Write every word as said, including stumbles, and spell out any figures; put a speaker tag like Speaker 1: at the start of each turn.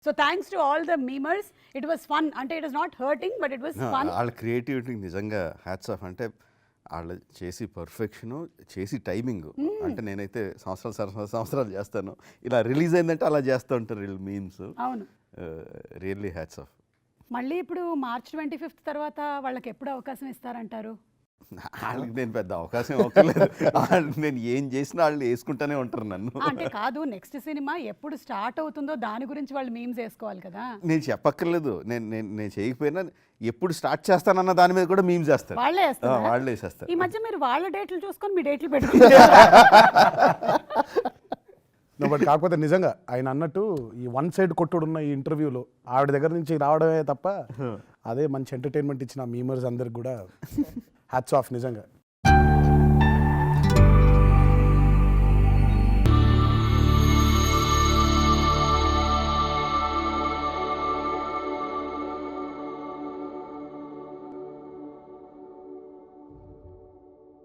Speaker 1: So thanks to all the memers. It was fun. అంటే it was not hurting but it was fun.
Speaker 2: వాళ్ళ creativity నిజంగా hats off. అంటే వాళ్ళు చేసి పర్ఫెక్షను, చేసి టైమింగ్. అంటే నేనైతే సంవత్సరాలు సంవత్సరాలు సంవత్సరాలు చేస్తాను, ఇలా రిలీజ్ అయిందంటే అలా చేస్తూ ఉంటారు వీళ్ళు మీమ్స్.
Speaker 1: అవును,
Speaker 2: రియల్లీ హ్యాట్స్ ఆఫ్.
Speaker 1: మళ్ళీ ఇప్పుడు మార్చ్ ట్వంటీ ఫిఫ్త్ తర్వాత వాళ్ళకి ఎప్పుడు అవకాశం ఇస్తారంటారు?
Speaker 2: వాళ్ళకి నేను పెద్ద అవకాశం ఇవ్వలేదు. నేను ఏం చేసినా వాళ్ళు వేసుకుంటూనే ఉంటారు నన్ను.
Speaker 1: అంటే కాదు, నెక్స్ట్ సినిమా ఎప్పుడు స్టార్ట్ అవుతుందో దాని గురించి వాళ్ళు మీమ్స్ వేసుకోవాలి కదా.
Speaker 2: నేను చెప్పక్కర్లేదు, నేను నేను నేను చేయకపోయినా ఎప్పుడు స్టార్ట్ చేస్తానన్న దాని మీద కూడా మీమ్స్ చేస్తారు.
Speaker 1: వాళ్ళే వేస్తారు.
Speaker 2: వాళ్ళే వేసేస్తారు.
Speaker 1: ఈ మధ్య మీరు వాళ్ళ డేట్లు చూసుకొని మీ డేట్లు పెట్టుకుంటారు.
Speaker 3: బట్ కాకపోతే నిజంగా ఆయన అన్నట్టు ఈ వన్ సైడ్ కొట్టుడు ఉన్న ఈ ఇంటర్వ్యూలో ఆవిడ దగ్గర నుంచి రావడమే తప్ప అదే మంచి ఎంటర్టైన్మెంట్ ఇచ్చిన మీమర్స్ అందరికి కూడా హ్యాట్స్ ఆఫ్ నిజంగా.